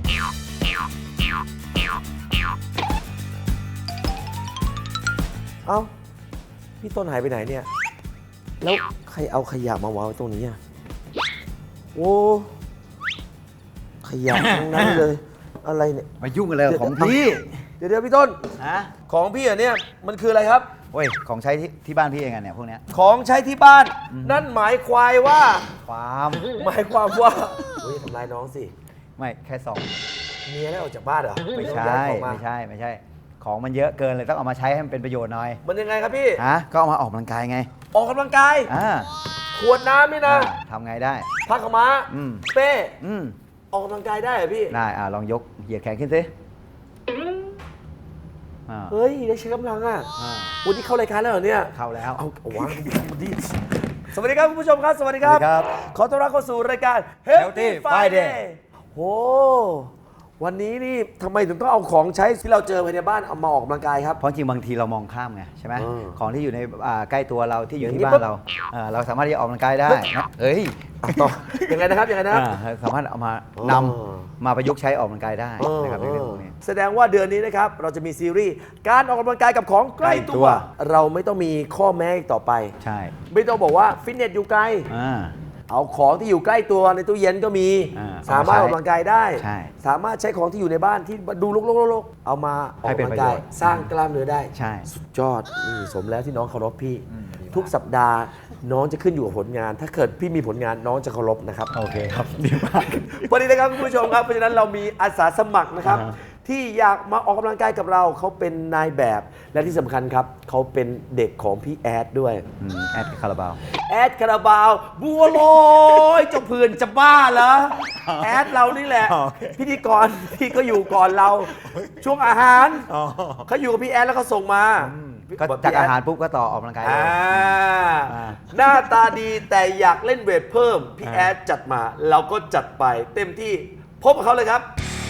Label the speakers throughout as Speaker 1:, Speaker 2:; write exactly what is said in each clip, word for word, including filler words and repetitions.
Speaker 1: เอ้าพี่ต้นหายไปไหนเนี่ยแล้วใครเอาขยะมาวางไว้ตรงนี้อ่ะโอ้ขยะทั้งนั้นเลยอะไรเนี่ย
Speaker 2: มายุ่งอะไรกับของพี่
Speaker 1: เดี๋ยวเดี๋ยวพี่ต้น
Speaker 2: ฮะ
Speaker 1: ของพี่อ่ะเนี่ยมันคืออะไรครับ
Speaker 2: โอ้ยของใช้ที่ที่บ้านพี่เองอะเนี่ยพวกเนี้ย
Speaker 1: ของใช้ที่บ้าน นั่นหมายความว่า
Speaker 2: ความ
Speaker 1: หมายความว่าเฮ้ยทำลายน้องสิ
Speaker 2: ไม่แค่สอง
Speaker 1: เมียได้ออกจากบ้านเหรอ
Speaker 2: ไม่
Speaker 1: ต้อง
Speaker 2: ใช่
Speaker 1: ย้ายของมา
Speaker 2: ไม่ใช่ไม่ใช่ ของมันเยอะเกินเลยต้องเอามาใช้ให้มันเป็นประโยชน์หน่อย
Speaker 1: มันยังไงครับพี่
Speaker 2: ฮะก็เอามาออกกำลังกายไง
Speaker 1: ออกกำลังกาย
Speaker 2: อ่า
Speaker 1: ขวดน้ำนี่นะ
Speaker 2: อ่าทำไงได้
Speaker 1: ผ้าขาวม้า
Speaker 2: อืม
Speaker 1: เป้
Speaker 2: อืม
Speaker 1: ออกกำลังกายได้เหรอพี่
Speaker 2: ได้อ่าลองยกเหยียดแขนขึ้นสิอ่า
Speaker 1: เฮ้ยได้ใช้กำลังอ่ะ
Speaker 2: อ่า
Speaker 1: วันนี้เข้ารายการแล้วเหรอเนี่ย
Speaker 2: เข้าแล้ว
Speaker 1: เอาเอาวางดีสวัสดีครับคุณผู้ชมครับสวัสดีครับ
Speaker 2: สวัสดีครับ
Speaker 1: ขอต้อนรับเข้าสู่รายการ
Speaker 2: Healthy Friday
Speaker 1: โอ้วันนี้นี่ทำไมถึงต้องเอาของใช้ที่เราเจอภายในบ้านเอามาออกกำลังกายครับ
Speaker 2: เพราะจริงบางทีเรามองข้ามไงใช่ไหม
Speaker 1: อืม
Speaker 2: ของที่อยู่ในอ่าใกล้ตัวเราที่อยู่
Speaker 1: อย่างนี้
Speaker 2: ที่บ้า
Speaker 1: ปุ๊
Speaker 2: น
Speaker 1: บ
Speaker 2: เราอ่าเราสามารถที่จะออกกำลังกายได้นะเอ้ย
Speaker 1: อ่ะต่อยังไงนะครับยังไงนะครับ
Speaker 2: อ่าสามารถเอามา
Speaker 1: อ๋อ
Speaker 2: นำมาประยุกต์ใช้ออกกำลังกายได้นะครับในเรื่องพวกนี้
Speaker 1: แสดงว่าเดือนนี้นะครับเราจะมีซีรีส์การออกกำลังกายกับของใกล้ตัว
Speaker 2: ใกล้ตัว
Speaker 1: เราไม่ต้องมีข้อแม้อีกต่อไป
Speaker 2: ใช่
Speaker 1: ไม่ต้องบอกว่าฟิตเนสอยู่ไกล
Speaker 2: อ่า
Speaker 1: เอาของที่อยู่ใกล้ตัวในตู้เย็นก็มี
Speaker 2: อ่า
Speaker 1: สามารถออกกำลังกายได้
Speaker 2: ใช่
Speaker 1: สามารถใช้ของที่อยู่ในบ้านที่ดูรกๆๆๆเอามาออก
Speaker 2: ให้เป็น
Speaker 1: กำลังกาย
Speaker 2: ประโยชน์
Speaker 1: สร้างกล้ามเนื้อได้
Speaker 2: ใช่
Speaker 1: สุดยอดนี่สมแล้วที่น้องเคารพพี่ ทุกสัปดาห์น้องจะขึ้นอยู่กับผลงาน ถ้าเกิดพี่มีผลงานน้องจะเคารพนะครับ
Speaker 2: โอเคครับดีมาก
Speaker 1: วันนี้นะครับคุณผู้ชมครับเพราะฉะนั้นเรามีอาสาสมัครนะครับ
Speaker 2: อ่าฮะ
Speaker 1: ที่อยากมาออกกำลังกายกับเราเขาเป็นนายแบบ และที่สำคัญครับเขาเป็นเด็กของพี่แอดด้วย
Speaker 2: อืมแอดคาราบาว
Speaker 1: แอดคาราบาวบัวลอยเจ้าเพื่อนจะบ้าเหรอแอดเรานี่แหละ
Speaker 2: โอเค
Speaker 1: พิธีกรที่ก็อยู่ก่อนเรา ช่วงอาหารเขาอยู่กับพี่แอดแล้วเขาส่งมา
Speaker 2: ก็
Speaker 1: บอก
Speaker 2: จาก
Speaker 1: พี่แด
Speaker 2: อาหารปุ๊บก็ต่อออกกำลังกายเลย
Speaker 1: อ่า
Speaker 2: อ่า
Speaker 1: หน้าตาดีแต่อยากเล่นเวทเพิ่ม พี่แอดจัดมา เราก็จัดไปเต็มที่พบกับเขาเลยครับ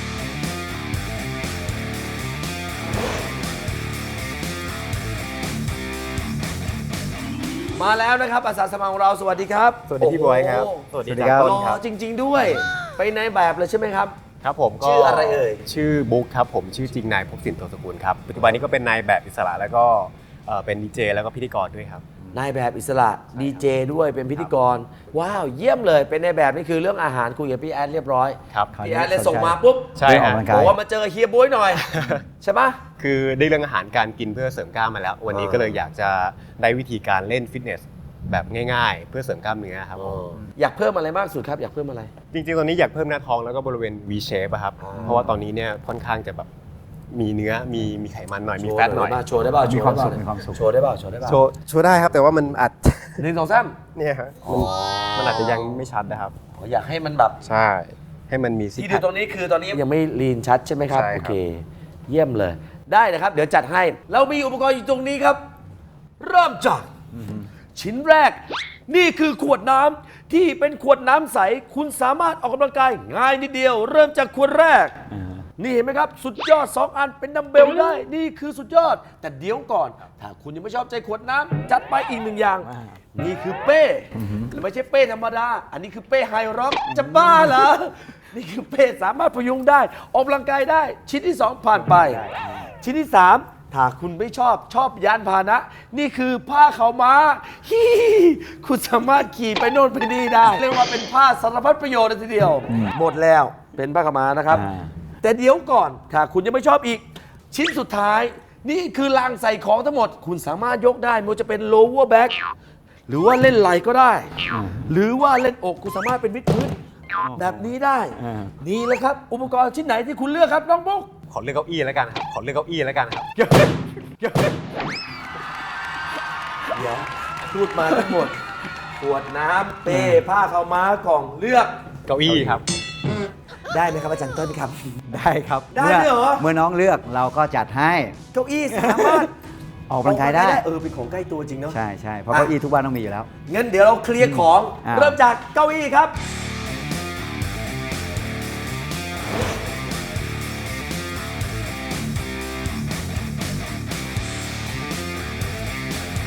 Speaker 1: มาแล้วนะครับอาสาสมัครของเราสวัสดีครับ
Speaker 3: สวัสดีพี่บอยครับ
Speaker 1: โโห
Speaker 3: สวัสดี
Speaker 2: สวัสดีครับ
Speaker 1: หล่อจริง ๆ ด้วย ไปในแบบเลยใช่ไหมครับ
Speaker 3: ครับผมก็
Speaker 1: ชื่ออะไรเอ่ย
Speaker 3: ชื่อบุ๊กครับผมชื่อจริงนายภพสินโตสกุลครับปัจจุบันนี้ก็เป็นนายแบบอิสระแล้วก็เอ่อเป็นดีเจแล้วก็พิธีกรด้วยครับ
Speaker 1: นายแบบอิสระดีเจด้วยเป็นพิธีกร ว้าว เยี่ยมเลยเป็นนายแบบนี่คือเรื่องอาหารคุยกับพี่แอดเรียบร้อย
Speaker 3: ครับ
Speaker 1: พี่แอดเลยส่งมาปุ๊บ
Speaker 3: ใช่
Speaker 2: เรื่องออก
Speaker 3: ฮะ
Speaker 2: กำลัง
Speaker 1: บ
Speaker 2: กา
Speaker 1: อย กว่ามาเจอเฮียบ๊วยหน่อย ใช่ปะ
Speaker 3: คือได้เรื่องอาหารการกินเพื่อเสริมกล้ามมาแล้ว วันนี้
Speaker 1: อ่า
Speaker 3: ก็เลยอยากจะได้วิธีการเล่นฟิตเนสแบบง่ายๆ เพื่อเสริมกล้ามเนื้อครับผม
Speaker 1: อยากเพิ่มอะไรมากสุดครับ อยากเพิ่มอะไร
Speaker 3: จริงๆตอนนี้อยากเพิ่มหน้าท้องแล้วก็บริเวณ V shape อะครับ
Speaker 1: อ่า
Speaker 3: เพราะว่าตอนนี้เนี่ยค่อนข้างจะแบบมีเนื้อมีมีไขมันหน่อยมีแฟตหน่อย
Speaker 1: โชว์ได้ป่ะ
Speaker 2: มี
Speaker 1: โชว์
Speaker 2: ความ
Speaker 1: ได้
Speaker 2: สุ
Speaker 1: ป่ะ
Speaker 2: ขมีความสุข
Speaker 1: โชว์ได้ป่ะโชว์ได้ป่ะ
Speaker 3: โชว์โชว์ได้ครับแต่ว่ามันอาจ
Speaker 1: หนึ่งสองสาม
Speaker 3: เนี่ยฮะมันมันอาจจะยังไม่ชัดนะครับ
Speaker 1: อ๋ออยากให้มันแบบ
Speaker 3: ใช่ให้มันมีซิก
Speaker 1: ที่
Speaker 3: แพ
Speaker 1: ดู
Speaker 3: ค
Speaker 1: ตรงนี้คือตอนนี้ยังไม่ลีนชัดใช่ไหมครับ
Speaker 3: ใช่ครับ
Speaker 1: โอเค เยี่ยมเลย ได้นะครับ เดี๋ยวจัดให้ เรามีอุปกรณ์อยู่ตรงนี้ครับ เริ่มจากชิ้นแรก นี่คือขวดน้ำที่เป็นขวดน้ำใส คุณสามารถออกกำลังกายง่ายนิดเดียว เริ่มจากขวดแรก
Speaker 2: อ่า
Speaker 1: นี่เห็นไหมครับ สุดยอด สอง อันเป็นดัมเบลได้ นี่คือสุดยอด แต่เดี๋ยวก่อน ถ้าคุณยังไม่ชอบใจขวดน้ำจัดไปอีกหนึ่งอย่าง
Speaker 2: อ่า
Speaker 1: นี่คือเป้และไม่ใช่เป้ธรรมดา อันนี้คือเป้ไฮร็อกจะบ้าเหรอ นี่คือเป้สามารถพยุงได้ ออกกำลังกายได้ ชิ้นที่ สอง ผ่านไป ชิ้นที่ สาม ถ้าคุณไม่ชอบชอบยานพาหนะ นี่คือผ้าขาวม้าฮีคุณสามารถขี่ไปโน่นไปนี่ได้ เรียกว่าเป็นผ้าสารพัดประโยชน์เลยทีเดียว หมดแล้วเป็นผ้าขาวม้านะครับ
Speaker 2: อ่า
Speaker 1: แต่เดี๋ยวก่อน ถ้าคุณยังไม่ชอบอีก ชิ้นสุดท้าย นี่คือรางใส่ของทั้งหมด คุณสามารถยกได้ไม่ว่าจะเป็น lower back หรือว่าเล่นไหล่ก็ได้ หรือว่าเล่นอกคุณสามารถเป็นวิดพื้นแบบนี้ได้
Speaker 2: อ่า
Speaker 1: นี่แหละครับ อุปกรณ์ชิ้นไหนที่คุณเลือกครับน้องบุ๊ก
Speaker 3: ขอเลือกเก้าอี้แล้วกันครับขอเลือกเก้าอี้แล้วกันครับ
Speaker 1: เดี๋ยวพูดมาทั้งหมดขวดน้ำเป้ผ้าขาวม้ากล่องเลือก
Speaker 3: เก้าอี้ครับ
Speaker 1: ได้ไหมครับอาจารย์ต้นครับ
Speaker 2: ได้ครับ
Speaker 1: ได้ด้วยเหรอ
Speaker 2: เมื่อน้องเลือกเราก็จัดให้
Speaker 1: เก้าอี้สามารถ
Speaker 2: ออกกำลังกายได้
Speaker 1: เออเป็นของใกล้ตัวจริงเนาะ
Speaker 2: ใช่ใช่เพราะเก้าอี้ทุกบ้านต้องมีอยู่แล้ว
Speaker 1: งั้นเดี๋ยวเราเคลียร์ของ
Speaker 2: อ่า
Speaker 1: เริ่มจากเก้าอี้ครับ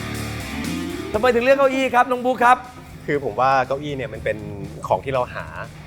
Speaker 1: ทำไมถึงเลือกเก้าอี้ครับน้องบุ๊คครับ
Speaker 3: คือผมว่าเก้าอี้เนี่ยมันเป็นของที่เราหา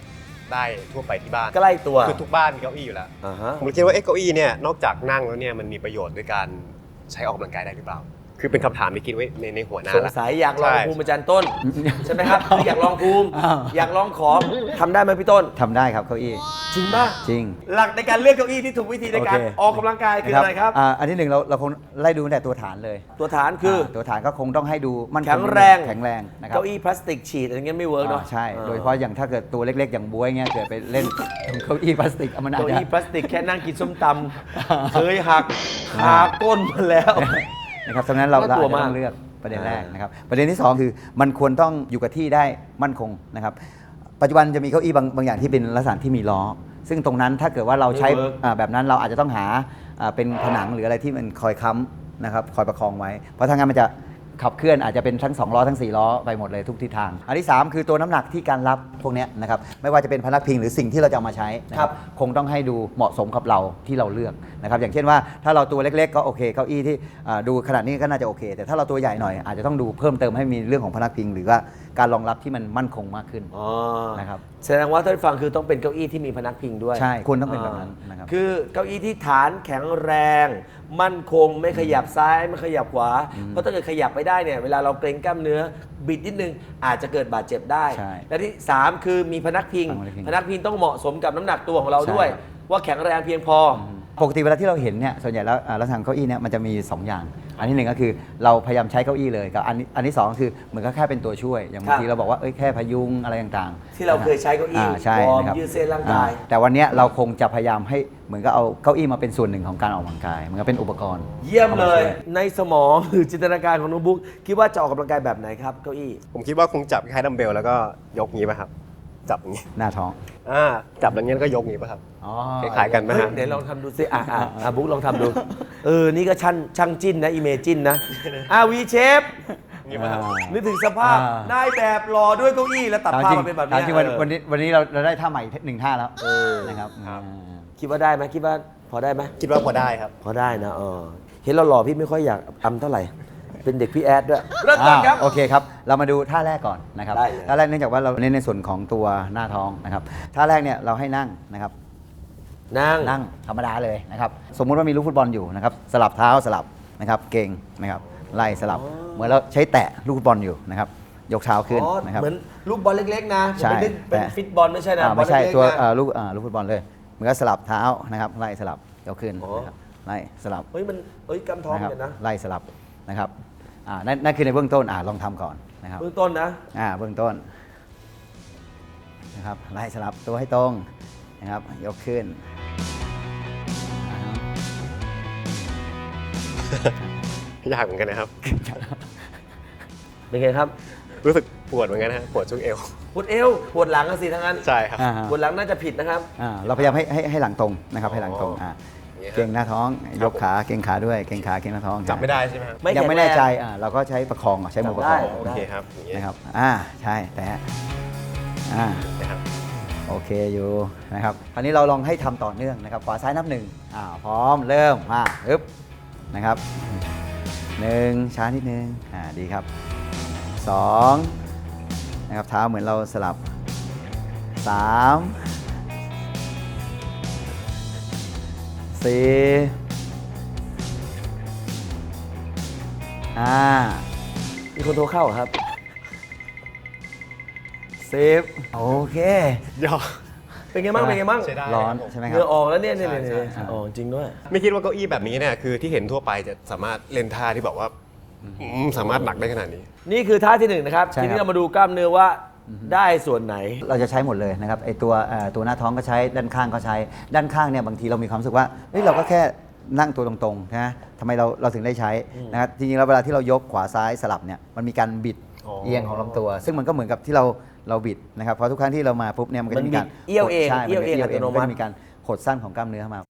Speaker 3: ได้ทั่วไปที่บ้าน
Speaker 1: ใกล้ตัว
Speaker 3: คือทุกบ้านมีเก้าอี้อยู่แล้ว
Speaker 1: อ่าฮะ
Speaker 3: ผมคิดว่าเอ๊ะเก้าอี้เนี่ยนอกจากนั่งแล้วเนี่ยมันมีประโยชน์ด้วยการใช้ออกกำลังกายได้หรือเปล่า คือเป็นคำถามที่คิดไว้ในในหัวหน้า
Speaker 1: สง
Speaker 3: แล้ว
Speaker 1: สัยอยากลอง
Speaker 3: ใช่
Speaker 1: ภูมิอาจารย์ต้น ใช่ไหมครับคืออยากลองภูมิ
Speaker 2: อ้าว
Speaker 1: อยากลองของทำได้ไหมพี่ต้น
Speaker 2: ทำได้ครับเก้าอี้
Speaker 1: จริงป่ะ
Speaker 2: จริง
Speaker 1: หลักในการเลือกเก้าอี้ที่ถูกวิธีในการ
Speaker 2: โอเค
Speaker 1: ออกกำลังกายคืออะไรครับ
Speaker 2: อ่าอันที่หนึ่งเราเราคงไล่ดูตั้งแต่ตัวฐานเลย
Speaker 1: ตัวฐานคือ
Speaker 2: าตัวฐานก็คงต้องให้ดูมั่นค
Speaker 1: แข็งแรง
Speaker 2: แข็งแรงนะครับ
Speaker 1: เก้าอี้พลาสติกฉีดอะไรเงี้ยไม่เวิร์กเนาะ
Speaker 2: อ่าใช่ โดยเฉพาะอย่างถ้าเกิดตัวเล็กๆ อย่างบ๊วยเงี้ยเกิดไปเล่นเก้าอี้พลาสติกเอามันอาจ
Speaker 1: เก้า
Speaker 2: จะ
Speaker 1: อี้พลาสติกแค่นั่งกินส้มตำเคยหักขาก้นมาแล้ว
Speaker 2: นะครับฉะนั้นเรา
Speaker 1: น่า
Speaker 2: เรา
Speaker 1: กลั
Speaker 2: อาว จจะ
Speaker 1: มาก
Speaker 2: ต้องเลือกประเด็นแรก
Speaker 1: อ่าน
Speaker 2: นะครับประเด็นที่สองคือมันควรต้องอยู่กับที่ได้มั่นคงนะครับปัจจุบันจะมีเก้าอี้บางบางอย่างที่เป็นลักษณะที่มีล้อ ซึ่งตรงนั้นถ้าเกิดว่าเราใช้อ่าแบบนั้นเราอาจจะต้องหาอ่าเป็นผนังหรืออะไรที่มันคอยค้ำนะครับคอยประคองไว้ เพราะถ้างั้นมันจะขับเคลื่อนอาจจะเป็นทั้งสองล้อทั้งสี่ล้อไปหมดเลยทุกทิศทาง อันที่สามคือตัวน้ำหนักที่การรับพวกเนี้ยนะครับไม่ว่าจะเป็นพนักพิงหรือสิ่งที่เราจะเอามาใช้นะครับคงต้องให้ดูเหมาะสมกับเราที่เราเลือกนะครับอย่างเช่นว่าถ้าเราตัวเล็กๆก็โอเคเก้าอี้ที่อ่าดูขนาดนี้ก็น่าจะโอเค แต่ถ้าเราตัวใหญ่หน่อยอาจจะต้องดูเพิ่มเติมให้มีเรื่องของพนักพิง หรือว่าการรองรับที่มันมั่นคงมากขึ้น
Speaker 1: อ๋อ
Speaker 2: นะครับ
Speaker 1: แสดงว่าท่านฟังคือต้องเป็นเก้าอี้ที่มีพนักพิงด้วย
Speaker 2: ใช่ควรต้องเป็นแบบนั้นนะครับ
Speaker 1: คือเก้าอี้ที่ฐานแข็งแรง มั่นคงไม่ขยับซ้ายไม่ขยับขวา เพราะถ้าเกิดขยับไม่ได้เนี่ยเวลาเราเกร็งกล้ามเนื้อบิดนิดนึงอาจจะเกิดบาดเจ็บได้
Speaker 2: ใช่
Speaker 1: และที่สามคือมีพนักพิง
Speaker 2: พนักพิง
Speaker 1: พนักพิงต้องเหมาะสมกับน้ำหนักตัวของเราด้วย
Speaker 2: ใช่ครับ
Speaker 1: ว่าแข็งแรงเพียงพออ
Speaker 2: ปกติเวลาที่เราเห็นเนี่ยส่วนใหญ่แล้วอ่าลักษณะเก้าอี้เนี่ยมันจะมีสองอย่าง อันที่หนึ่งก็คือเราพยายามใช้เก้าอี้เลยกับอันนี้อันที่สองก็คือเหมือนก็แค่เป็นตัวช่วย อย่างบางทีเราบอกว่าเอ้ยแค่พยุงอะไรต่างๆ
Speaker 1: ที่เราเคยใช้เก้าอี้
Speaker 2: ใช่
Speaker 1: วอร์ม
Speaker 2: นะครับ
Speaker 1: ยืดเส้นร่างกาย
Speaker 2: อ่แต่วันเนี้ยเราคงจะพยายามให้เหมือนกับเอาเก้าอี้มาเป็นส่วนหนึ่งของการออกกำลังกายเหมือนกับเป็นอุปกรณ์
Speaker 1: เยี่ยมเลย
Speaker 2: อาาช่ว
Speaker 1: ในสมองหรือจินตนาการของน้องบุ๊กคิดว่าจะออกกำลังกายแบบไหนครับเก้าอี้
Speaker 3: ผมคิดว่าคงจับคล้ายๆดัมเบลแล้วก็ยกงี้ป่ะครับ จับอย่างงี้
Speaker 2: หน้าท้อง
Speaker 3: อ่าจับอย่างงี้แล้วก็ยกงี้ป่ะครับ
Speaker 2: อ๋อ
Speaker 3: คล้ายๆกันไหม
Speaker 1: เฮ้ย
Speaker 3: ฮะ
Speaker 1: เดี๋ยวลองทำดูสิอ่ะอ่ะอ่ะบุ๊กลองทำดู เออ นี่ก็ช่างช่างจิ้นนะอีเมจินนะอ่ะวีเชฟ
Speaker 3: งี้ป่ะครับ
Speaker 1: นึกถึงสภาพ
Speaker 2: อ่า
Speaker 1: นายแบบรอด้วยเก้าอี้แล้วตัด
Speaker 2: ถาม
Speaker 1: ภาพ
Speaker 2: จริง
Speaker 1: มาเป็นแบบ
Speaker 2: ถาม
Speaker 1: นี้
Speaker 2: จริงวัน
Speaker 1: เออ
Speaker 2: วันนี้วันนี้เราเราได้ท่าใหม่หนึ่งท่าแล้ว
Speaker 1: เออ
Speaker 2: นะครับ
Speaker 3: ครับ
Speaker 2: อ่า
Speaker 1: คิดว่าได้ไหมคิดว่าพอได้ไหม
Speaker 3: คิดว่าพอได้ครับ
Speaker 1: พอได้นะเออเห็นเราหล่อพี่ไม่ค่อยอยากอำเท่าไหร่ เป็นเด็กพี่แอดด้วยเริ่มต้นครับ
Speaker 2: อ่าโอเคครับ เรามาดูท่าแรกก่อนนะครับ
Speaker 1: ได้เลย
Speaker 2: ท่าแรกเนื่องจากว่าเราเน้นในส่วนของตัวหน้าท้องนะครับท่าแรกเนี่ยเราให้นั่งนะครับ
Speaker 1: นั่ง
Speaker 2: นั่งธรรมดาเลยนะครับสมมุติว่ามีลูกฟุตบอลอยู่นะครับสลับเท้าสลับนะครับเก่งนะครับไล่สลับเหมือนเราใช้แตะลูกฟุตบอลอยู่นะครับยกเท้าขึ้น
Speaker 1: อ๋อ
Speaker 2: นะครับ
Speaker 1: เหมือนลูกบอลเล็กๆนะ
Speaker 2: ใช่
Speaker 1: ผมไม่ได้เป็น
Speaker 2: แต่
Speaker 1: ฟิตบอลไม่ใช่นะ
Speaker 2: อ่า
Speaker 1: บอล
Speaker 2: ไม่ใช่
Speaker 1: เล็กๆ
Speaker 2: ตัว
Speaker 1: นะ
Speaker 2: เอ่อลูกอ่าลูกฟุตบอลเลยเหมือนกับสลับเท้านะครับไล่สลับยกขึ้น
Speaker 1: อ๋อ
Speaker 2: นะครับไล่สลับ
Speaker 1: เฮ้ยมันเอ้ยกำท้อง
Speaker 2: นะครับ
Speaker 1: กันนะ
Speaker 2: ไล่สลับนะครับอ่านั่นนั่นคือในเบื้องต้นอ่าลองทำก่อนนะครับ
Speaker 1: เบื้องต้นนะ
Speaker 2: อ่าเบื้องต้นนะครับไล่สลับตัวให้ตรงนะครับยกขึ้นอ่าฮะ
Speaker 3: ยากเหมือนกันนะครับ
Speaker 1: เป็นไงครับ
Speaker 3: รู้สึกปวดเหมือนกันนะฮะปวดช่วงเอว
Speaker 1: ปวดเอวปวดหลังอะสิทั้งนั้น
Speaker 3: ใช่ครับ
Speaker 2: อ่าฮะ
Speaker 1: ปวดหลังน่าจะผิดนะครับ
Speaker 2: อ่าเราพยายามให้ให้ให้หลังตรงนะครับให้หลังตรงอ่า
Speaker 3: อย่างเงี้ยฮะ
Speaker 2: เก่งหน้าท้อง
Speaker 3: ครับ
Speaker 2: ยกขาเก่งขาด้วยเก่งขาเก่งหน้าท้อง
Speaker 3: จับไม่ได้ใช่ไหมครับ
Speaker 1: ไม่
Speaker 2: ยังไม่แน่
Speaker 1: แข็งแรง
Speaker 2: ใจอ่าเราก็ใช้ประคองอ่ะใช้มือประคอง
Speaker 1: จับได้
Speaker 3: โอเคครับอย่างเงี้ย
Speaker 2: นะครับอ่าใช่แต่อ่า
Speaker 3: นะครับ
Speaker 2: โอเคอยู่นะครับคราวนี้เราลองให้ทำต่อเนื่องนะครับขวาซ้ายนับหนึ่งอ่าพร้อมเริ่มมาฮึบนะครับหนึ่งช้านิดนึงอ่าดีครับสองนะครับเท้าเหมือนเราสลับสามสี่ห้า
Speaker 1: มีคนโทรเข้าเหรอครับ
Speaker 2: สิบโอเค
Speaker 3: ยอ
Speaker 1: เป็นไงบ้างเป็นไงบ้าง
Speaker 3: ใช้ได้
Speaker 2: ร้อน
Speaker 3: ครับผม
Speaker 2: ใช่ไหม
Speaker 1: เห
Speaker 2: ครั
Speaker 1: งื่
Speaker 2: บ
Speaker 1: อออกแล้วเนี่ยเนี่ย
Speaker 3: ใช่
Speaker 1: เนี่ย
Speaker 3: ใช่
Speaker 1: เนี่ยอ๋อจริงด้วย
Speaker 3: ไม่คิดว่าเก้าอี้แบบนี้เนี่ยคือที่เห็นทั่วไปจะสามารถเล่นท่าที่แบบว่าอืมสามารถหนักได้ขนาดนี้
Speaker 1: นี่คือท่าที่หนึ่งนะครับ
Speaker 2: ใช่
Speaker 1: ทีนี้
Speaker 2: ครับ
Speaker 1: เรามาดูกล้ามเนื้อว่าได้ส่วนไหน
Speaker 2: เราจะใช้หมดเลยนะครับไอตัวเอ่อตัวหน้าท้องก็ใช้ด้านข้างก็ใช้ด้านข้างเนี่ยบางทีเรามีความรู้สึกว่าเฮ้ยเราก็แค่นั่งตัวตรงๆนะทำไมเราเราถึงได้ใช้นะครับจริงๆแล้วเวลาที่เรายกขวาซ้ายสลับเนี่ยมันมีการบิด
Speaker 3: อ๋อ
Speaker 2: เอียงของลำตัว ซึ่งมันก็เหมือนกับที่เราเราบิดนะครับเพราะทุกครั้งที่เรามาปุ๊บเนี่ยมันก็จะมีการ
Speaker 1: มันบิดเอี้ยวเอง
Speaker 2: ใช่
Speaker 1: เอี้ยวเอง
Speaker 2: มันก็
Speaker 1: อัตโนมัติ
Speaker 2: จะมีการหดสั้นของกล้ามเนื้อเข้ามา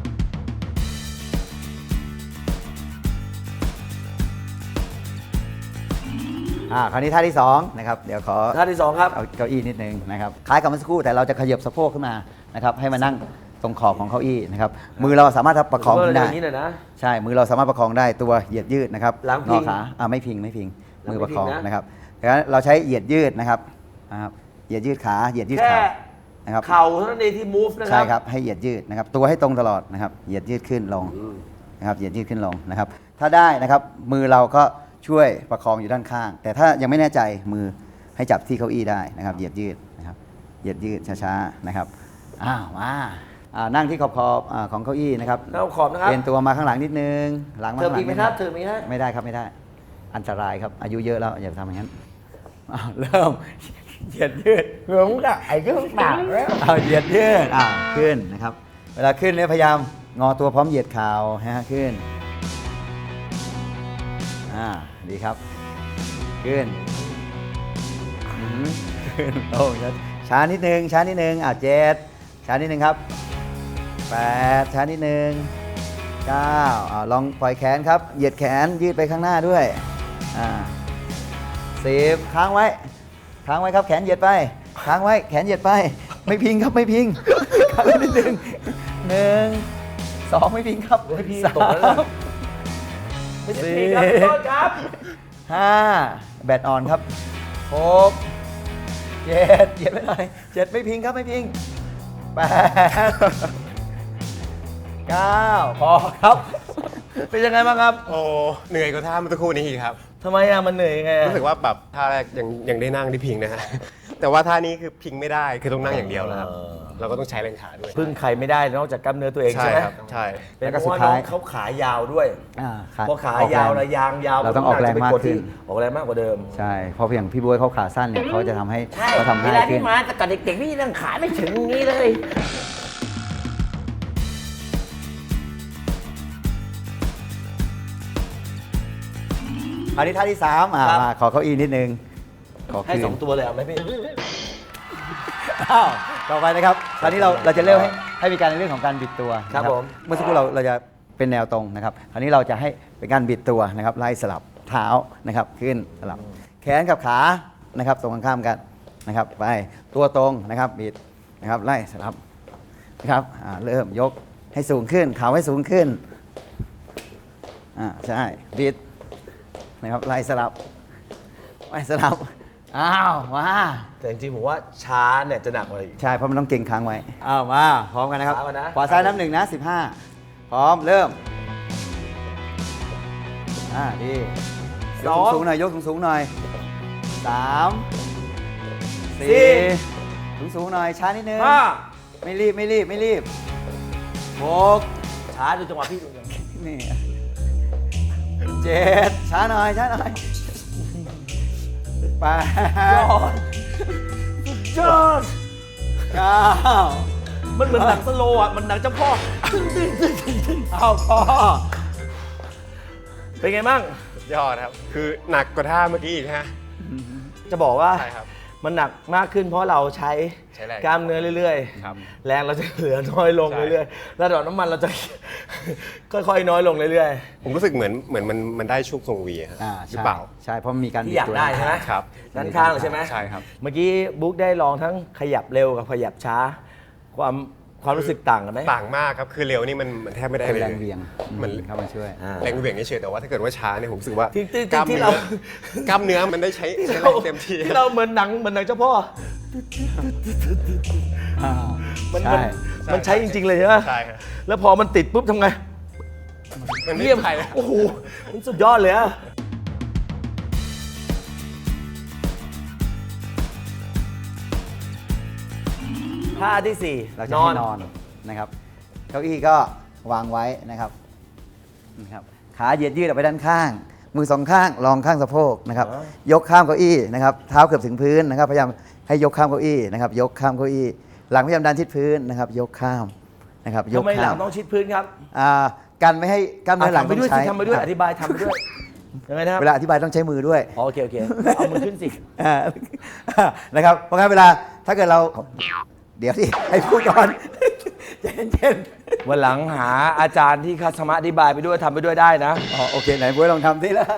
Speaker 2: อ่าคราวนี้ท่าที่สองนะครับเดี๋ยวขอ
Speaker 1: ท่าที่สองครับ
Speaker 2: เอาเก้าอี้นิดนึงนะครับคล้ายกับเมื่อสักครู่แต่เราจะขยับสะโพกขึ้นมานะครับให้มานั่งตรงขอบของเก้าอี้นะครับมือเราสามารถประคอง
Speaker 1: ผมว่า
Speaker 2: ได้
Speaker 1: อย่างนี้หน่อยนะ
Speaker 2: ใช่มือเราสามารถประคองได้ตัวเหยียดยืดนะครับ
Speaker 1: หลังพิ
Speaker 2: งอง ขาอ่าไม่พิงไม่พิง
Speaker 1: หลัง
Speaker 2: มือ
Speaker 1: ไม่
Speaker 2: ประคอง
Speaker 1: พิงนะ
Speaker 2: นะครับดังนั้นเราใช้เหยียดยืดนะครับนะครับเหยียดยืดขาเหยียดยืด
Speaker 1: แค่
Speaker 2: ขานะครับ
Speaker 1: เข่าเท่านั้นเองที่ move นะครั
Speaker 2: ใช่ครับให้เหยียดยืดนะครับตัวให้ตรงตลอดนะครับเหยียดยืดขึ้นลง
Speaker 1: อืม
Speaker 2: นะครับเหยียดยืดขึ้นลงนะครับถ้าได้นะครับมือเราก็ช่วยประคองอยู่ด้านข้าง แต่ถ้ายังไม่แน่ใจมือให้จับที่เก้าอี้ได้นะครับเหยียดยืดนะครับเหยียดยืดช้าๆนะครับอ้าวมาอ่านั่งที่ขอบขอบๆอ่าของเก้าอี้นะครับ
Speaker 1: แล้วขอบนะครับ
Speaker 2: เอ็นตัวมาข้างหลังนิดนึงหลังมา
Speaker 1: เติม
Speaker 2: ข้างหลั
Speaker 1: อี
Speaker 2: ง
Speaker 1: กไหม
Speaker 2: นิด
Speaker 1: ค
Speaker 2: นึ
Speaker 1: รับ
Speaker 2: ง
Speaker 1: เติมอีกไหมฮะ
Speaker 2: ไม่ได้ครับไม่ได้อันตรายครับอายุเยอะแล้วอย่าทำอย่างนั้นอ้าวเริ่มเหยียดยืด
Speaker 1: เหมือนกับไอ้เครื่องปากแล้ว
Speaker 2: เอาเหยียดยืดอ่าขึ้นนะครับ เวลาขึ้นเนี่ยพยายามงอตัวพร้อมเหยียดเข่าฮะขึ้นอ่าดีครับ ขึ้นอืมขึ้นโอ้ช้าช้านิดนึงช้านิดนึงอ่าเจ็ดช้านิดนึงครับแปดช้านิดนึงเก้าอ่าลองปล่อยแขนครับ เหยียดแขนยืดไปข้างหน้าด้วยอ่าสิบค้างไว้ ค้างไว้ครับแขนเหยียดไปค้างไว้แขนเหยียดไป ไม่พิงครับไม่พิงค้างไว้นิดนึงหนึ่งสองไม่พิงครับ
Speaker 1: ไม่พิง
Speaker 2: สา
Speaker 1: ตกแล้วนะ
Speaker 2: ม
Speaker 1: ไม่ใช่พี่ครับพี่ต้นครับ
Speaker 2: ห้าแบตออนครับหกเจ็ดเหยียดไปหน่อยเจ็ดไม่พิงครับไม่พิงแปดเก้าพอครับ
Speaker 1: เป็นยังไงบ้างครับ
Speaker 3: โอ้เหนื่อยกว่าท่าเมื่อสักครู่นี้อีกครับ
Speaker 1: ทำไมอะมันเหนื่อยยังไงอะ
Speaker 3: รู้สึกว่าแบบท่าแรกยังยังได้นั่งได้พิงนะฮะ แต่ว่าท่านี้คือพิงไม่ได้คือต้องนั่งอย่างเดียวแล้วครับ เราก็ต้องใช้แรงขาด้วย
Speaker 1: พึ่งใครไม่ได้นอกจากกล้ามเนื้อตัวเอง
Speaker 3: ใช่
Speaker 1: ใช่ไหม
Speaker 3: ครับใช่
Speaker 1: เป็นเพราะว่าน้องเขาขายาวด้วย
Speaker 2: อ่าครับ
Speaker 1: พอขายาวระยางยาว
Speaker 2: เราต้องออกแรงมากขึ้น
Speaker 1: ออกแรงมากกว่าเดิม
Speaker 2: ใช่เพราะอย่างพี่บ๊วยเขาขาสั้นเนี่ยเขาจะทำให้
Speaker 4: ใช่
Speaker 2: เขาทำ
Speaker 4: เว
Speaker 2: ให้
Speaker 4: ลา
Speaker 2: ขึ้
Speaker 4: ที่
Speaker 2: น
Speaker 4: มาแต่ก่อนเด็กๆนี่ยังขาไม่ถึงอย่างนี้เลย
Speaker 2: อันนี้ท่าที่สามอ่า
Speaker 1: ครับ
Speaker 2: มาขอเก้าอี้นิดนึงขอ
Speaker 1: ให้
Speaker 2: คืน
Speaker 1: สองตัวเลยเอาไหมพี่
Speaker 2: อ้าวต่อไปนะครับคราวนี้เราเราจะเริ่มให้ให้มีการในเรื่องของการบิดตัว
Speaker 1: ครับ
Speaker 2: นะ
Speaker 1: ผม
Speaker 2: เมื่อสักครู่เราเราจะเป็นแนวตรงนะครับคราวนี้เราจะให้เป็นการบิดตัวนะครับไล่สลับเท้านะครับขึ้นสลับแขนกับขานะครับตรงข้ามกันนะครับไปตัวตรงนะครับบิดนะครับไล่สลับนะครับอ่าเริ่มยกให้สูงขึ้นเข่าให้สูงขึ้นอ่าใช่บิดนะครับไล่สลับไล่สลับอ้าวมา
Speaker 1: แต่จริงๆผมว่าช้าเนี่ยจะหนักกว่าอีก
Speaker 2: ใช่เพราะมันต้องเก่งค้างไว้อ้าวมาพร้อมกันนะครับ
Speaker 1: ช้าก่อนนะ
Speaker 2: ขวาซ้ายน้ำหนึ่งนะสิบห้าพร้อมเริ่มอ่าดียกสูงๆหน่อยยกสูงๆหน่อยสามสี่สูงๆหน่อยช้านิดนึง
Speaker 1: ห้า
Speaker 2: ไม่รีบไม่รีบไม่รีบหก
Speaker 1: ช้าดูจังหวะพี่ดูจังหวะ
Speaker 2: นี่เจ็ดช้าหน่อยช้าหน่อยแปด
Speaker 1: ยอด
Speaker 2: เก้า
Speaker 1: มันเหมือนหนังสโลว์อ่ะ มันหนังเจ้าพ่อ
Speaker 2: เอาพอ
Speaker 1: เป็นไงบ้าง
Speaker 3: ยอดครับ คือหนักกว่าท่าเมื่อกี้อีกฮะ
Speaker 1: จะบอกว่า
Speaker 3: ใช่ครับ
Speaker 1: มันหนักมากขึ้นเพราะเราใช้
Speaker 3: ใช้แรง
Speaker 1: กล้ามเนื้อเรื่อย
Speaker 3: ครับ
Speaker 1: แรงเราจะเหลือน้อยลง
Speaker 3: ใช่
Speaker 1: เรื่อยๆระดับน้ำมันเราจะ ค่อยๆน้อยลงเรื่อย
Speaker 3: ผมรู้สึกเหมือนเหมือนมันมันได้ช่วงทรงวีอะฮะ
Speaker 2: อ่า
Speaker 3: หรือ
Speaker 2: ใช่
Speaker 3: เปล่า
Speaker 2: ใช่เพราะมันมีการ
Speaker 1: ๆ ที่
Speaker 2: บิด
Speaker 1: อยาก
Speaker 2: ตัว
Speaker 1: ได้ใช่ไหม
Speaker 3: ครับ
Speaker 1: ด้านข้างเลยใช่ไหม
Speaker 3: ใช่ครับ
Speaker 1: เมื่อกี้บุ๊กได้ลองทั้งขยับเร็วกับขยับช้า ความความรู้สึกต่างกันไหม
Speaker 3: ต่างมากครับคือเร็วนี่มันมันแทบไม่ได้
Speaker 2: เป็น
Speaker 3: เลย
Speaker 2: แรงเหวียง
Speaker 3: มัน
Speaker 2: เข้ามาช่วย
Speaker 1: อ่า
Speaker 3: แรงเหวี่ยงเฉยๆแต่ว่าถ้าเกิดว่าช้าเนี่ยผมรู้สึกว่า
Speaker 1: ที่ที่
Speaker 3: กล้าม
Speaker 1: ที่
Speaker 3: เนื้
Speaker 1: เรา
Speaker 3: อกล้ามเนื้อมันได้ใช้ใช้แรงเต็มที่
Speaker 1: ที่เราเหมือนหนังเหมือนหนังเจ้าพ่อ มัน
Speaker 2: ใช่
Speaker 1: มันมันใช้จริง ๆ เลยใช่ไหม
Speaker 3: ใช่ครับ
Speaker 1: แล้วพอมันติดปุ๊บทำไง
Speaker 3: มันไม่
Speaker 1: เยี่ยม
Speaker 3: ใช่นะ
Speaker 1: โอ้โห มันสุดยอดเลยอะท่าที่สี่
Speaker 2: เราจะให้นอนนะครับเก้าอี้ก็วางไว้นะครับนะครับขาเหยียดยืดออกไปด้านข้าง มือสองข้างรองข้างสะโพกนะครับยกข้ามเก้าอี้นะครับเท้าเกือบถึงพื้นนะครับพยายามให้ยกข้ามเก้าอี้นะครับยกข้ามเก้าอี้หลังพยายามดันทิศพื้นนะครับยกข้ามนะครับยก
Speaker 1: ทำไมหลั
Speaker 2: ข้าง ม
Speaker 1: ต้องชิดพื้นครับ
Speaker 2: อ่ากันไม่ให้กล้ามเนื้อหลัง
Speaker 1: ทำไป
Speaker 2: ต้อ
Speaker 1: ด้วย
Speaker 2: งใช้
Speaker 1: สิทำไปด้วยอธิบายทำไปด้วยยังไงนะครับ
Speaker 2: เวลาอธิบายต้องใช้มือด้วย
Speaker 1: อ๋อโอเคโอเคเอามือขึ้นสิ
Speaker 2: อ่านะครับเพราะงั้นเวลาถ้าเกิดเราเดี๋ยวสิให้พูดก่อน ใจเย็น
Speaker 1: วันหลังหาอาจารย์ที่คัสมาอธิบายไปด้วยทำไปด้วยได้นะ
Speaker 2: ๆอ๋อโอเคไหนบ๊วยลองทำสิแล้ว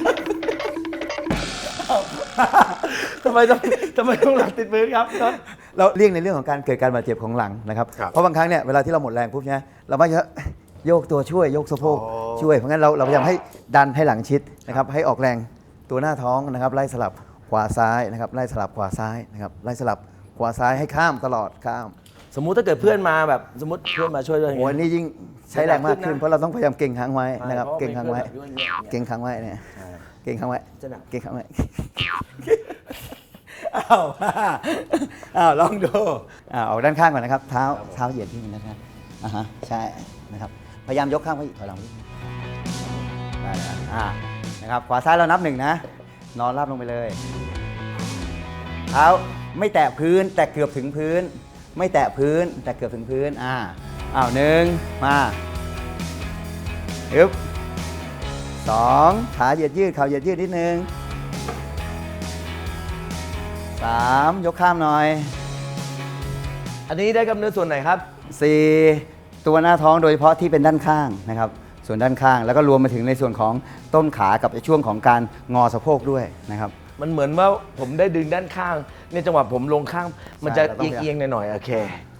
Speaker 1: ทำไมต้องทำไมต้องหลังติดพื้นครับ
Speaker 2: เราเลี่ยงในเรื่องของการเกิดการบาดเจ็บของหลังนะครับ
Speaker 3: ครับ
Speaker 2: เพราะบางครั้งเนี่ยเวลาที่เราหมดแรงปุ๊บเนี่ยเราไม่จะโยกตัวช่วยโยกสะโพก
Speaker 3: อ๋อ
Speaker 2: ช่วยเพราะงั้นเราเราพยายามให้ดันให้หลังชิดนะครับให้ออกแรงตัวหน้าท้องนะครับไล่สลับขวาซ้ายนะครับไล่สลับขวาซ้ายนะครับไล่สลับขขวาซ้ายให้ข้ามตลอดข้าม
Speaker 1: สมมุติถ้าเกิดเพื่อนมาแบบสมมติเพื่อนมาช่วยด้วย
Speaker 2: โอ้ยนี่ยิ่งใช้แรงมากขึ้น
Speaker 1: หนักขึ้นนะ
Speaker 2: เพราะเราต้องพยายามเก่งค้างไว้นะครับ
Speaker 1: ใช่
Speaker 2: เก่งค้างไว้
Speaker 1: เพราะว่าเป็นเพื่อนแบบ
Speaker 2: เก่งค้างไว้เนี่ยเก่งค้างไว้
Speaker 1: จะหนัก
Speaker 2: เก่งค้างไว้ อ้าวอ้าวลองดูอ้าวออกด้านข้างก่อนนะครับ เท้าเท้าเหยียดที่นี่นะครับอ่าฮะใช่นะครับพยายามยกข้างไว้อีกถอยหลังนิดนึงได้แล้วอ่านะครับขวาซ้ายเรานับหนึ่งนะ นอนราบลงไปเลย เท้าไม่แตะพื้นแต่เกือบถึงพื้น ไม่แตะพื้นแต่เกือบถึงพื้นอ่าอ้าวหนึ่งมาอึ๊บสองขาเหยียดยืดเข่าเหยียดยืดนิดนึงสามยกข้ามหน่อย
Speaker 1: อันนี้ได้กำเนิดส่วนไหนครับ
Speaker 2: สี่ตัวหน้าท้องโดยเฉพาะที่เป็นด้านข้างนะครับ ส่วนด้านข้างแล้วก็รวมมาถึงในส่วนของต้นขากับช่วงของการงอสะโพกด้วยนะครับ
Speaker 1: มันเหมือนว่าผมได้ดึงด้านข้างในจังหวะผมลงข้าง มันจะ
Speaker 2: เราต้อง
Speaker 1: เอียงๆหน่อยๆโอเค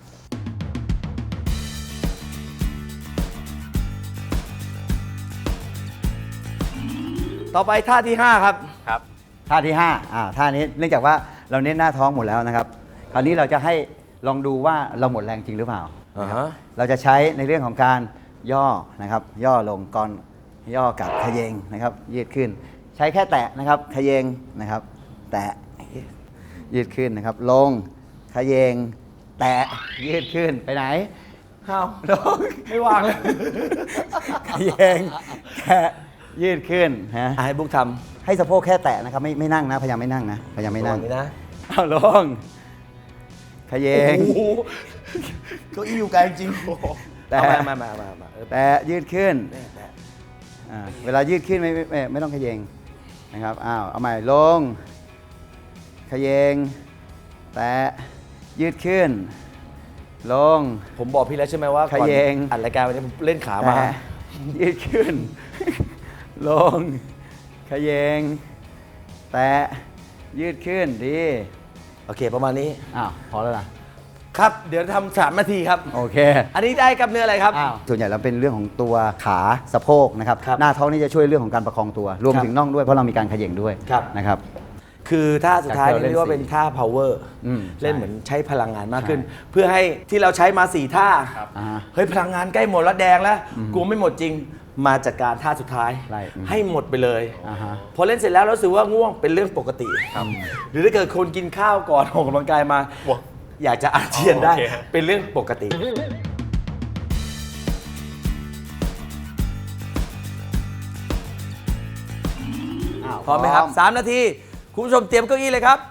Speaker 1: ต่อไปท่าที่ 5 ครับ
Speaker 3: ครับ
Speaker 2: ท่าที่ห้าอ่าท่านี้เนื่องจากว่าเราเน้นหน้าท้องหมดแล้วนะครับ คราวนี้เราจะให้ลองดูว่าเราหมดแรงจริงหรือเปล่า
Speaker 1: อ่าฮะ
Speaker 2: เราจะใช้ในเรื่องของการย่อนะครับ ย่อลงก่อนย่อกับขยเยงนะครับ ยืดขึ้น ใช้แค่แตะนะครับขยเยงนะครับ แตะยืดขึ้นนะครับ ลงขยเยง แตะยืดขึ้นไปไหน
Speaker 1: ข้าว
Speaker 2: ลง
Speaker 1: ไม่วางเลย
Speaker 2: ขยเยงแตะยืดขึ้นฮะ
Speaker 1: อ่ะให้บุ๊กท
Speaker 2: ให้สะโพกแค่แตะนะครับ ไม่ไม่นั่งนะพยายามไม่นั่งนะพยายาม
Speaker 1: ำ
Speaker 2: ไม่นั่ง
Speaker 1: ระวันี้นะ
Speaker 2: เอาลงขยเยง
Speaker 1: โอ้โหเก้าอี้อยู่ไกลจริงแต่
Speaker 2: แต่
Speaker 1: มามามามาเออ
Speaker 2: แต่ยืดขึ้น
Speaker 1: แม่แม่
Speaker 2: อ่าเวลายืดขึ้นไม่ไม่ไม่ไม่ต้องขยเยงนะครับอ้าวเอาใหม่ลงขยเยงแต่ยืดขึ้น ลง
Speaker 1: ผมบอกพี่แล้วใช่ไหมว่าก่อน
Speaker 2: ขยเยง
Speaker 1: อัดรายการวันนี้ผมเล่นขามา
Speaker 2: แต่ยืดขึ้น ลงขยเยงแต่ยืดขึ้นดี
Speaker 1: โอเคประมาณนี้
Speaker 2: อ้าวพอแล้วล่ะ
Speaker 1: ครับ เดี๋ยวทำสามนาทีครับ
Speaker 2: โอเค
Speaker 1: อันนี้ได้กับเนื้ออะไรครับ
Speaker 2: อ้าวส่วนใหญ่แล้วเป็นเรื่องของตัวขาสะโพกนะครับ
Speaker 1: ครับ
Speaker 2: หน้าท้องนี่จะช่วยเรื่องของการประคองตัว รวม
Speaker 1: ครับ
Speaker 2: ถึงน่องด้วยเพราะเรามีการเขย่งด้วย
Speaker 1: ครับ
Speaker 2: นะครับ
Speaker 1: คือท่าสุดท้าย
Speaker 2: จากที่เรา
Speaker 1: นี่เรียกว่า
Speaker 2: เล่น
Speaker 1: เป็นท่า power
Speaker 2: อืม
Speaker 1: เล่น
Speaker 2: ใช่
Speaker 1: เหมือนใช้พลังงานมากขึ้น
Speaker 2: ใช่
Speaker 1: เพื่อให้ที่เราใช้มาสี่ท่า
Speaker 2: อ่าฮะ
Speaker 1: เฮ้ยพลังงานใกล้หมดแล้วแดงแล้วกลัวไม่หมดจริงมาจัดการท่าสุดท้าย
Speaker 2: ไล่อืม
Speaker 1: ให้หมดไปเลย
Speaker 2: อ่าฮะ
Speaker 1: พอเล่นเสร็จแล้วเรารู้สึกว่าง่วงเป็นเรื่องปกติ หรือถ้าเกิดคนกินข้าวก่อนออกกำลังกายมา
Speaker 3: ว้าว
Speaker 1: อยากจะอาเจียนได้
Speaker 3: อ๋อโอเคฮะ
Speaker 1: เป็นเรื่องปกติ
Speaker 2: อ้าว
Speaker 1: พร้อมไหมครับสามนาที คุณผู้ชมเตรียมเก้าอี้เลยครับ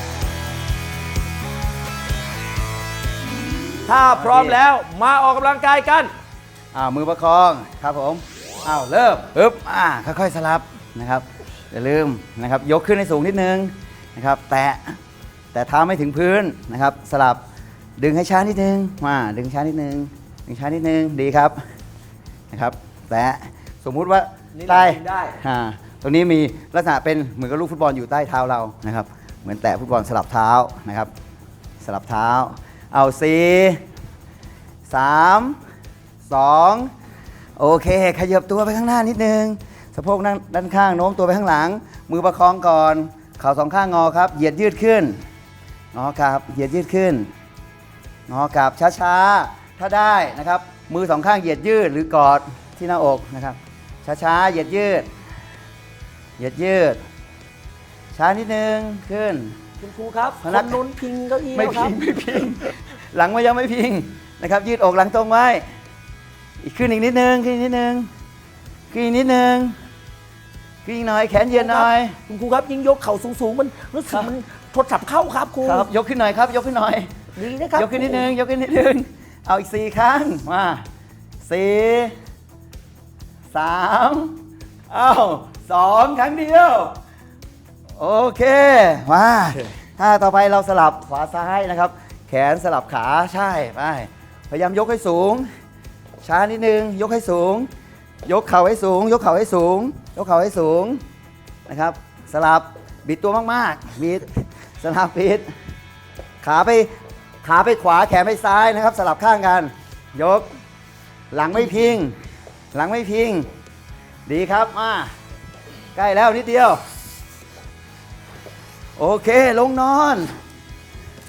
Speaker 1: ถ้าพร้อมแล้วมาออกกำลังกายกัน
Speaker 2: อ้าวมือประคองครับผมอ้าวเริ่มปึ๊บอ่าค่อยๆสลับนะครับอย่าลืมนะครับยกขึ้นให้สูงนิดนึงนะครับแตะแต่เท้าไม่ถึงพื้นนะครับ สลับดึงให้ช้านิดนึงมาดึงช้านิดนึงดึงช้านิดนึงดีครับนะครับแตะสมมุติว่า
Speaker 1: นี่
Speaker 2: ใต้
Speaker 1: เราดึงได้
Speaker 2: อ่าตรงนี้มีลักษณะเป็นเหมือนกับลูกฟุตบอลอยู่ใต้เท้าเรานะครับเหมือนแตะฟุตบอลสลับเท้านะครับ สลับเท้าเอาสี่สามสองโอเค ขยับตัวไปข้างหน้านิดนึงสะโพกนั่งด้านข้างโน้มตัวไปข้างหลัง มือประคองก่อนเข่าสองข้างงอครับ เหยียดยืดขึ้นงอกลับเหยียดยืดขึ้นงอกลับช้าๆถ้าได้นะครับ มือสองข้างเหยียดยืดหรือกอดที่หน้าอกนะครับช้าๆเหยียดยืดเหยียดยืดช้านิดนึงขึ้น
Speaker 1: คุณครูครับ
Speaker 2: พนัก
Speaker 1: คนนุ้นพิงเก้าอี้
Speaker 2: ไม่
Speaker 1: แล้วค
Speaker 2: พิ
Speaker 1: รับ
Speaker 2: งไม่พิง หลังไม่ยังไม่พิงนะครับ ยืดอกหลังตรงไว้ อีกขึ้นอีกนิดนึงขึ้นอีกนิดนึงขึ้นอีกนิดนึงขึ้นอีกหน่อยแขนเย็นหน่อย
Speaker 1: คุณครูครับยิ่งยกเข่าสูงๆมันรู้สึกมันโทรศัพท์เข้าครับครู
Speaker 2: ครับยกขึ้นหน่อยครับ ยกขึ้นหน่อย
Speaker 1: ดีนะครับ
Speaker 2: ยกขึ้นนิดนึงยกขึ้นนิดนึงเอาอีกสี่ครั้งมาสี่สามเอ้าสองครั้งเดียวโอเคมาถ้าต่อไปเราสลับขวาซ้ายนะครับ แขนสลับขาใช่ไปพยายามยกให้สูง ช้านิดนึงยกให้สูง ยกเข่าให้สูง ยกเข่าให้สูง ยกเข่าให้สูงนะครับ สลับบิดตัวมากๆบิดสลับบิดขาไปขาไปขวาแขนไปซ้ายนะครับ สลับข้างกัน ยกหลังไม่พิง หลังไม่พิง ดีครับมาใกล้แล้วนิดเดียว โอเคลงนอน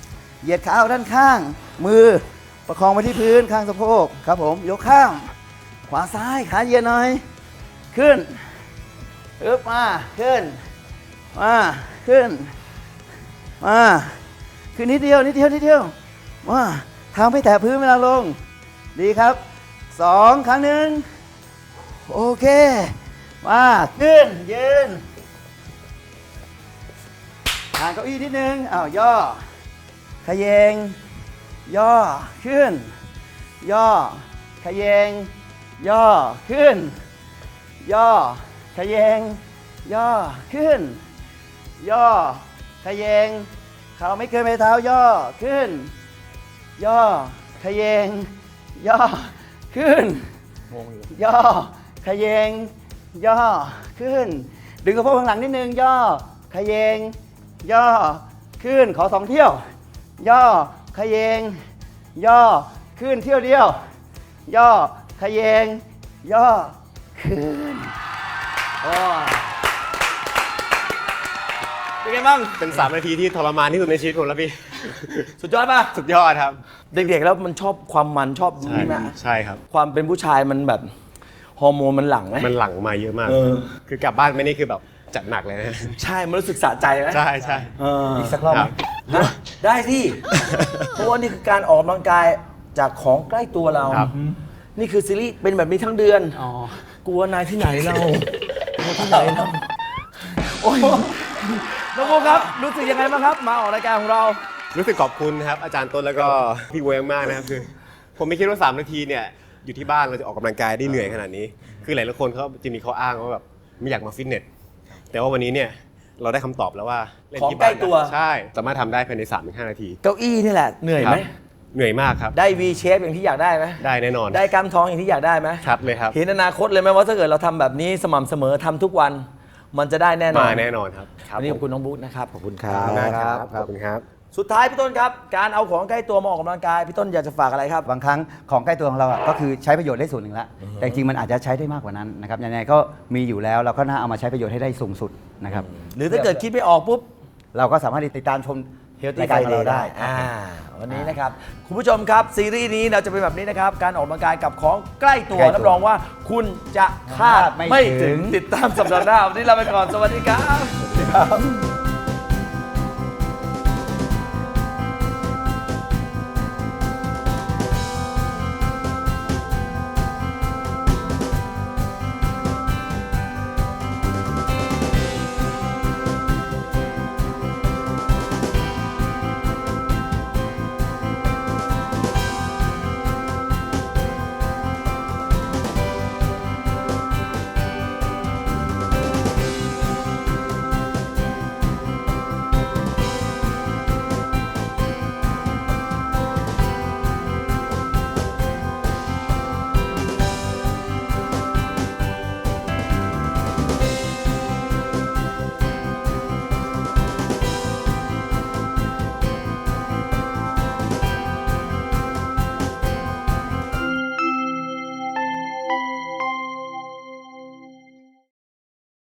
Speaker 2: เหยียดขาออกด้านข้าง มือประคองไปที่พื้นข้างสะโพกครับผมยกข้างขวาซ้ายขาเหยียดหน่อยขึ้นอึบมาขึ้นมาขึ้นมาขึ้นนิดเดียวนิดเดียวนิดเดียวมาเท้าไม่แตะพื้นเวลาลงดีครับสองครั้งหนึ่งโอเคมาขึ้นยืนห่างเก้าอี้นิดนึงอ้าวย่อขยเยงย่อขึ้นย่อขยเยงย่อขึ้นย่อขยเยงย่อขึ้นย่อขยเยงเข่าไม่เกินไปเท้าย่อขึ้นย่อขยเยงย่อขึ้นย่อขยเยงย่อขึ้นดึงกระโปรงข้างหลังนิดนึงย่อขยเยงย่อขึ้นขอสองเที่ยวย่อขยเยงย่อขึ้นเที่ยวเดียวย่อขยเยงย่อขึ้นโอ้เป็นไงบ้าง
Speaker 3: เป็นสามนาทีที่ทรมานที่สุดในชีวิตผมแล้วพี่
Speaker 1: สุดยอดป่ะ
Speaker 3: สุดยอดครับ
Speaker 1: เด็กๆแล้วมันชอบความมันชอบ
Speaker 3: ใช่
Speaker 1: นี่นะ
Speaker 3: ใช่ครับ
Speaker 1: ความเป็นผู้ชายมันแบบฮอร์โมนมันหลั่งไหม
Speaker 3: มันหลั่งมาเยอะมาก
Speaker 1: เออ
Speaker 3: คือกลับบ้านไม่นี่คือแบบจัดหนักเลยนะ
Speaker 1: ใช่มันรู้สึกสะใจไหม
Speaker 3: ใช่ใช่
Speaker 1: เออ
Speaker 2: อีกสักรอบไหม
Speaker 1: ฮะได้ที่ เพราะว่านี่คือการออกกำลังกายจากของใกล้ตัวเรา
Speaker 3: ครับ
Speaker 1: นี่คือซีรีส์เป็นแบบนี้ทั้งเดือนกลัวนายที่ไหนเรากลัวที่ไหนเราโอ้ยน้องโบครับรู้สึกยังไงบ้างครับ มาออกรายการของเรา
Speaker 3: รู้สึกขอบคุณนะครับอาจารย์ต้นแล้วก็พี่เวงมากนะครับคือ ผมไม่คิดว่าสามนาทีเนี่ยอยู่ที่บ้านเราจะออกกำลังกายได้เหนื่อยขนาดนี้ คือหลายๆคนเขาจะมีข้ออ้างว่าแบบไม่อยากมาฟิตเนสแต่ว่าวันนี้เนี่ยเราได้คำตอบแล้วว่าเล่นที่บ้าน
Speaker 1: ของใกล้ตัว
Speaker 3: ใช่สามารถทำได้ภายใน สามถึงห้า นาที
Speaker 1: เก้าอี้นี่แหละเหนื่อยไหม
Speaker 3: ครับเหนื่อยมากครับ
Speaker 1: ได้ V shape อย่างที่อยากได้ไหม
Speaker 3: ได้แน่นอน
Speaker 1: ได้กล้ามท้องอย่างที่อยากได้ไหม
Speaker 3: ชัดเลยครับ
Speaker 1: เห็นอนาคตเลยไหมว่าถ้าเกิดเราทำแบบนี้สม่ำเสมอทำทุกวัน มันจะได้แน่นอน
Speaker 3: มาแน่นอนครับ
Speaker 1: วันนี้ขอบคุณน้องบุ๊คนะครับ
Speaker 2: ขอบคุณค
Speaker 3: ข
Speaker 2: รั
Speaker 3: อบ
Speaker 2: บ
Speaker 3: คุณมากครับขอบคุณครับ
Speaker 1: สุดท้ายพี่ต้นครับ การเอาของใกล้ตัวมาออกกำลังกายพี่ต้นอยากจะฝากอะไรครับ
Speaker 2: บางครั้งของใกล้ตัวของเราอะก็คือใช้ประโยชน์ได้ส่วนหนึ่งแล้วแต่จริงๆมันอาจจะใช้ได้มากกว่านั้นนะครับยังไงก็มีอยู่แล้วเราก็น่าเอามาใช้ประโยชน์ให้ได้สูงสุดนะครับ
Speaker 1: หรือถ้าเกิดคิดไม่ออกปุ๊บ
Speaker 2: เราก็สามารถติดตามชม
Speaker 1: Healthy
Speaker 2: รายการของ
Speaker 1: Friday
Speaker 2: เราได้
Speaker 1: อ่าวันนี้นะครับ คุณผู้ชมครับ ซีรีส์นี้เราจะเป็นแบบนี้นะครับ การออกกำลังกายกับของใกล้ตัว
Speaker 2: ใกล้ตัว
Speaker 1: รับรองว่าคุณจะคาด
Speaker 2: ไม่
Speaker 1: ไม่
Speaker 2: ถึ
Speaker 1: ถึง
Speaker 2: ง
Speaker 1: ติดตามสัปดาห์หน้าวันนี้ลาไปก่อนสวัสดีครับ
Speaker 2: ครับ